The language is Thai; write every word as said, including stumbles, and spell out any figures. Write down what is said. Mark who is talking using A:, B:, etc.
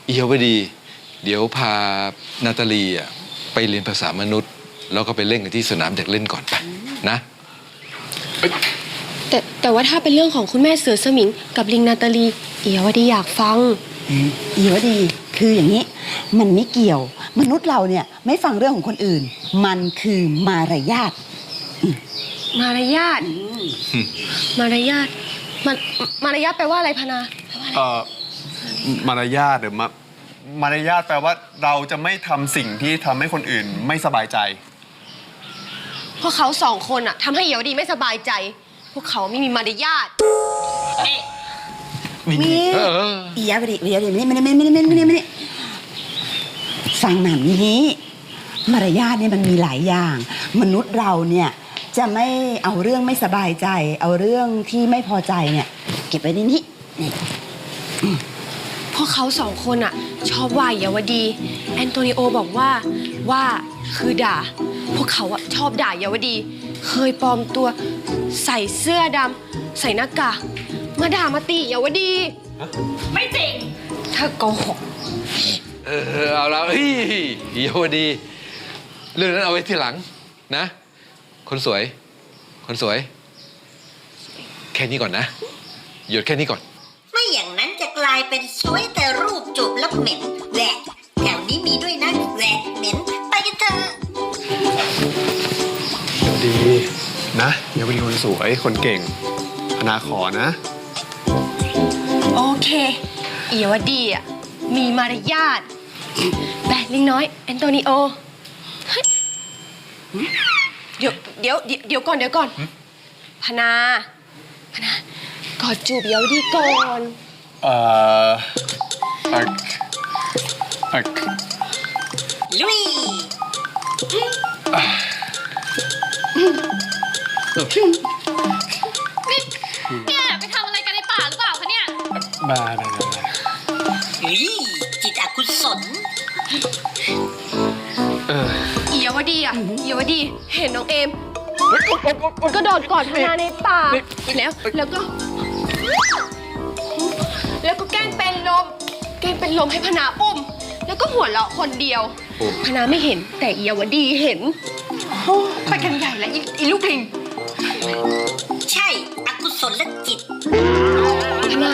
A: เอียวดีเดี๋ยวพานาตาลีอ่ะไปเรียนภาษามนุษย์แล้วก็ไปเล่นกันที่สนามเด็กเล่นก่อนไปนะ
B: แต่แต่ว่าถ้าเป็นเรื่องของคุณแม่เสือสมิงกับลิงนาตาลีเอียวดีอยากฟัง
C: เอียวดีคืออย่างนี้มันไม่เกี่ยวมนุษย์เราเนี่ยไม่ฟังเรื่องของคนอื่นมันคือมารยาท
B: มารยาทมารยาทมันมารยาทแปลว่าอะไรพนา
D: เอ่อมารยาทหรือมามารยาทแปลว่าเราจะไม่ทำสิ่งที่ทำให้คนอื่นไม่สบายใจ
B: พวกเขาสองคนอะทำให้เอียวดีไม่สบายใจพวกเขาไม่มีมารยาท
C: มีเอียวดีเอียวดีไม่ไม่ไม่ไม่ไม่ไม่ไม่ฟังหนังนี้มารยาทเนี่ยมันมีหลายอย่างมนุษย์เราเนี่ยจะไม่เอาเรื่องไม่สบายใจเอาเรื่องที่ไม่พอใจเนี่ยเก็บไว้ในนี้
B: พวกเขาสองคนอะชอบว่าเอียวดีแอนโตนิโอบอกว่าว่าคือด่าพวกเขาอะชอบด่าเอียวดีเคยปลอมตัวใส่เสื้อดำใส่หน้ากากมาด่ามาตีเอียวดีไม่จริงเธอโกหก
A: เออเอาแล้วเฮ้ยเอียวดีเรื่องนั้นเอาไว้ทีหลังนะคนสวยคนสวยแค่นี้ก่อนนะหยุดแค่นี้ก่อน
E: ไม่อย่างนั้นจะกลายเป็นสวยแต่รูปจูบแล้วเหม็นแหวะแถวนี้มีด้วยนะแหวะเหม็นไปกันเถอะ
D: ดีนะเดี๋ยวเป็นคนสวยคนเก่งพนาขอนะ
B: โอเคเอียวดีอ่ะมีมารยาทแบะลิงน้อยแอนโตนิโอเดี๋ยวเดี๋ยวเดี๋ยวก่อนเดี๋ยวก่อนพนาพนากอดจูบเอียวดีก่อน
D: เอ่ออักอัก
E: ลุย
F: เนี่ยไปทำอะไรกันในป่าหรือเปล่าคะเนี่ย
D: บ้าบ้าบ้า
E: จิตอกุศล
B: เอียวดีอ่ะเอียวดีเห็นน้องเอมก็โดดกอดพนาในป่าแล้วแล้วก็แล้วก็แกล้งเป็นลมแกล้งเป็นลมให้พนาอุ้มแล้วก็หัวเราะคนเดียวพนาไม่เห็นแต่เอียวดีเห็นไปกันใหญ่แล้วอีลูกลิง
E: ใช่อกุศลจิต
B: พนา